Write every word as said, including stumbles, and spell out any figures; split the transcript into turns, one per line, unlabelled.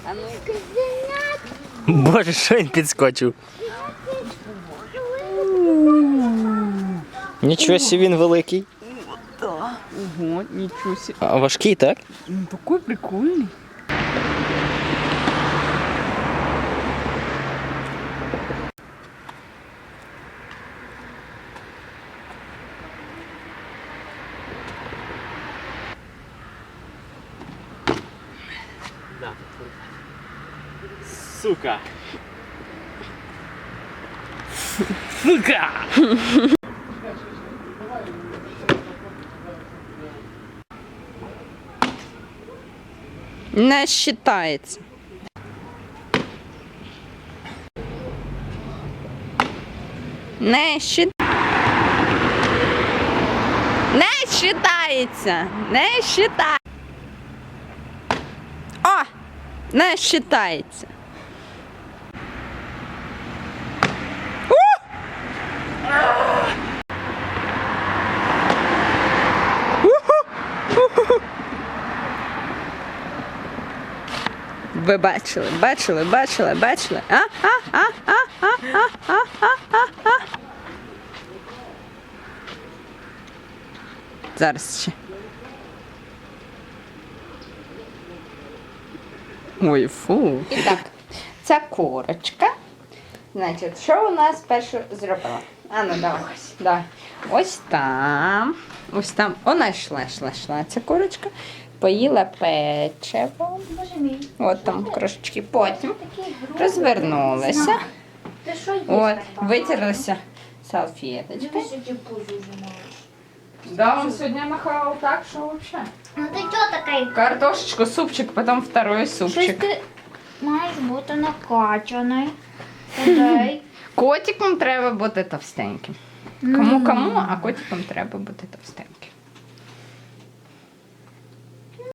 А ну
Боже, що він підскочив? Нічого собі він великий.
Ого, ничего себе.
А важкий, так?
Ну такой прикольный.
Сука. Сука!
Не считается. Не счит... Не считається. Не считається. О! Не считається. Ви бачили, бачили, бачили, бачили. А, а, а, а, а, а, а, а, а, а. Зараз ще. Ой, фу. І так, ця курочка. Значить, що у нас перше зробила? А ну давай, ось, давай. Ось там. Ось там. Вона йшла, йшла, йшла ця курочка. Поїла печиво.
Боже мій.
От там крошечки. Потім розвернулася.
Ти що їш?
От, витерлася салфеточкою.
Дивись, які пузо вже маєш.
Да, он сегодня нахавал так, что вообще.
Ну ти чого такий?
Картошечку, супчик, потом второй
Щось
супчик.
ти маєш бути накачаний. Тоді.
Котикам треба бути товстеньким. Кому-кому, а котикам треба бути товстеньким.